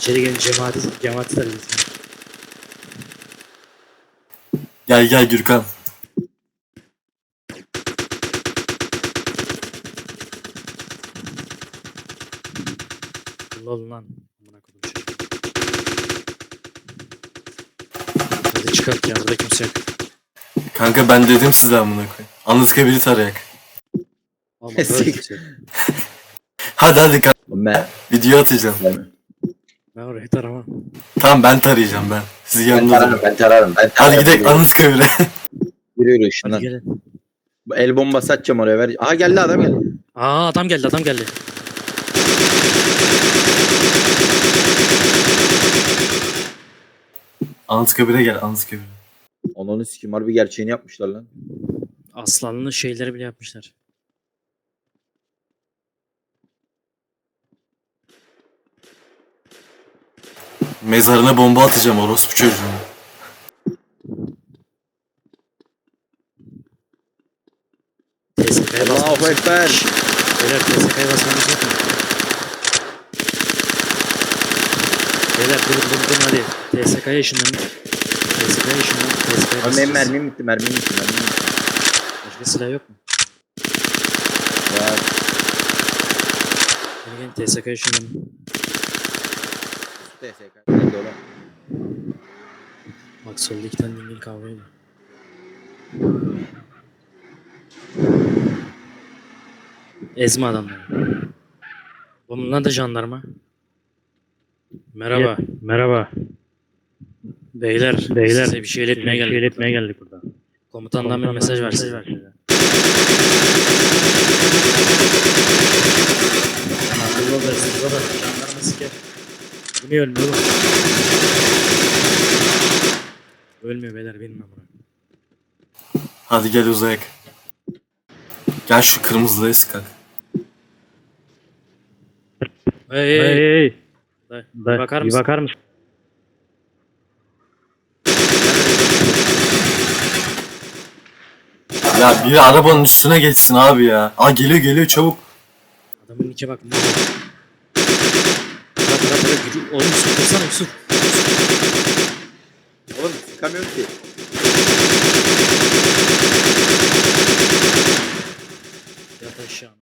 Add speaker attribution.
Speaker 1: İçeri gelin cemaati de bilsin.
Speaker 2: Gel gel Gürkan.
Speaker 1: Lol lan. Amına koydum çocuğu. Hadi çıkart ya, burada kimse yok.
Speaker 2: Kanka ben dedim size amına koyayım. Anıtkabir'i tarayak.
Speaker 1: Ama böyle kimse yok.
Speaker 2: Hadi hadi kanka.
Speaker 3: Ben,
Speaker 2: Video atacağım.
Speaker 1: Ben orayı taramam.
Speaker 2: Tamam ben tarayacağım ben. Siz
Speaker 3: ben
Speaker 2: yanınızda.
Speaker 3: tararım, ben tararım.
Speaker 2: Hadi gidelim Anıtkabir'e.
Speaker 3: Yürü yürü
Speaker 1: Hadi
Speaker 3: şundan.
Speaker 1: gelin.
Speaker 3: El bombası atacağım oraya ver. Aha geldi adam geldi.
Speaker 1: Aa, adam geldi.
Speaker 2: Anıtkabir'e gel Anıtkabir'e.
Speaker 3: Ananı sikim harbi gerçeğini yapmışlar lan.
Speaker 1: Aslanlı şeyleri bile yapmışlar.
Speaker 2: Mezarına bomba atacağım orospu çocuğuna.
Speaker 1: TSK'ya basmamız
Speaker 3: Allahu
Speaker 1: yok.
Speaker 3: Ekber.
Speaker 1: Beyler TSK'ya basmamız yok mu? Beyler durun hadi. TSK'ya ışınlanın. TSK'ya ışınlanın. TSK'ya
Speaker 3: Abi benim
Speaker 1: basacağız.
Speaker 3: mermim bitti.
Speaker 1: Başka silah yok mu?
Speaker 3: Ya,
Speaker 1: Gelin TSK'ya ışınlanın.
Speaker 3: TSK. Nerede oğlum?
Speaker 1: Bak solda 2 tane dingil kavga ediyor. Ezme adamları. Bunlar da jandarma. Merhaba.
Speaker 4: Merhaba.
Speaker 1: Beyler size bir şey iletmeye geldik.
Speaker 4: geldik burada.
Speaker 1: Komutandan bir mesaj var size. Akıllı olacaksınız da jandarma siker. Bu niye ölmüyor oğlum? Ölmüyor beyler, bilmem bunu.
Speaker 2: Hadi gel uzayak. Gel şu kırmızılıya sıkak.
Speaker 1: Hey. Bir bakar mısın?
Speaker 4: bakar mısın?
Speaker 2: Ya biri arabanın üstüne geçsin abi ya. Aa geliyor çabuk.
Speaker 1: Adamın nike bak. Bırak. Oğlum Yusuf dursana Yusuf.
Speaker 3: Oğlum sıkamıyorum ki.